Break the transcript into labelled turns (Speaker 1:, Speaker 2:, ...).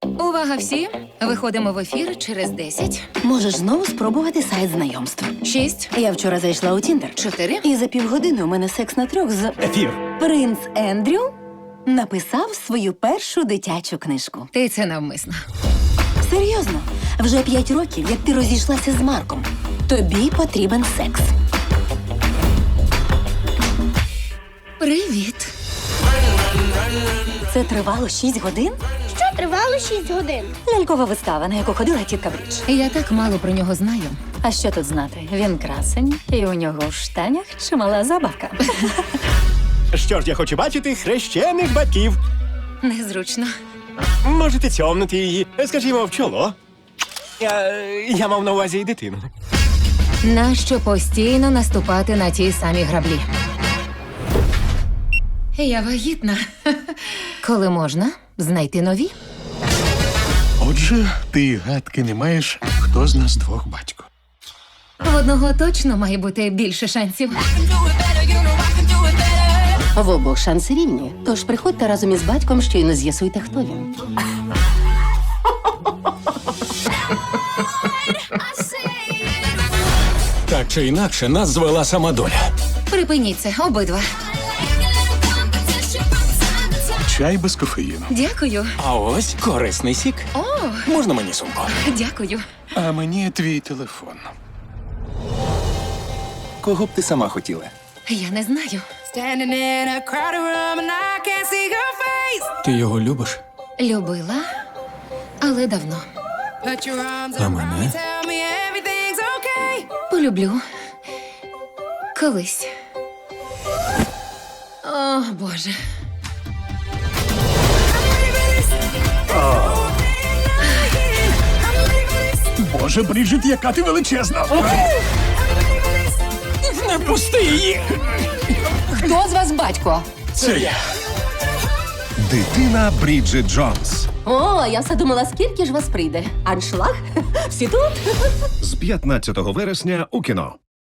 Speaker 1: Увага всі! Виходимо в ефір через 10,
Speaker 2: Можеш знову спробувати сайт знайомств.
Speaker 1: 6,
Speaker 2: Я вчора зайшла у Тіндер.
Speaker 1: 4.
Speaker 2: І за півгодини у мене секс на 3 з...
Speaker 3: Ефір.
Speaker 2: Принц Ендрю написав свою першу дитячу книжку.
Speaker 1: Ти це навмисно.
Speaker 2: Серйозно, вже 5 років, як ти розійшлася з Марком. Тобі потрібен секс.
Speaker 1: Привіт.
Speaker 2: Це тривало 6 годин?
Speaker 4: Що тривало 6 годин?
Speaker 2: Лялькова вистава, на яку ходила тітка Брідж.
Speaker 1: Я так мало про нього знаю.
Speaker 2: А що тут знати? Він красень, і у нього в штанях чимала забавка.
Speaker 3: Що ж, я хочу бачити хрещених батьків.
Speaker 1: Незручно.
Speaker 3: Можете цьомнути її, скажімо, в чоло. Я мав на увазі і дитину.
Speaker 1: Нащо постійно наступати на ті самі граблі? Я вагітна. Коли можна знайти нові?
Speaker 5: Отже, ти гадки не маєш, хто з нас двох батько.
Speaker 1: В одного точно має бути більше шансів.
Speaker 2: В обох шанси рівні. Тож приходьте разом із батьком, щойно з'ясуйте, хто він.
Speaker 5: Так чи інакше, нас звела сама доля.
Speaker 1: Припиніть це, обидва.
Speaker 5: Чай без кофеїну.
Speaker 1: Дякую.
Speaker 5: А ось корисний сік.
Speaker 1: О,
Speaker 5: Можна мені сумку?
Speaker 1: дякую.
Speaker 5: А мені твій телефон.
Speaker 6: Кого б ти сама хотіла?
Speaker 1: Я не знаю.
Speaker 7: Standing in a crowded room and I can't see your face.
Speaker 5: Ти його любиш?
Speaker 1: Любила, але давно.
Speaker 7: Put your arms
Speaker 5: А
Speaker 7: around
Speaker 5: мене?
Speaker 7: me, tell me everything's okay.
Speaker 1: Полюблю. Колись. О, Боже.
Speaker 5: Боже, Бріджит, яка ти величезна! Не пусти її!
Speaker 2: Хто з вас батько?
Speaker 5: Це я.
Speaker 8: Дитина Бріджит Джонс.
Speaker 2: О, я все думала, скільки ж вас прийде. Аншлаг? Всі тут?
Speaker 8: З 15 вересня у кіно.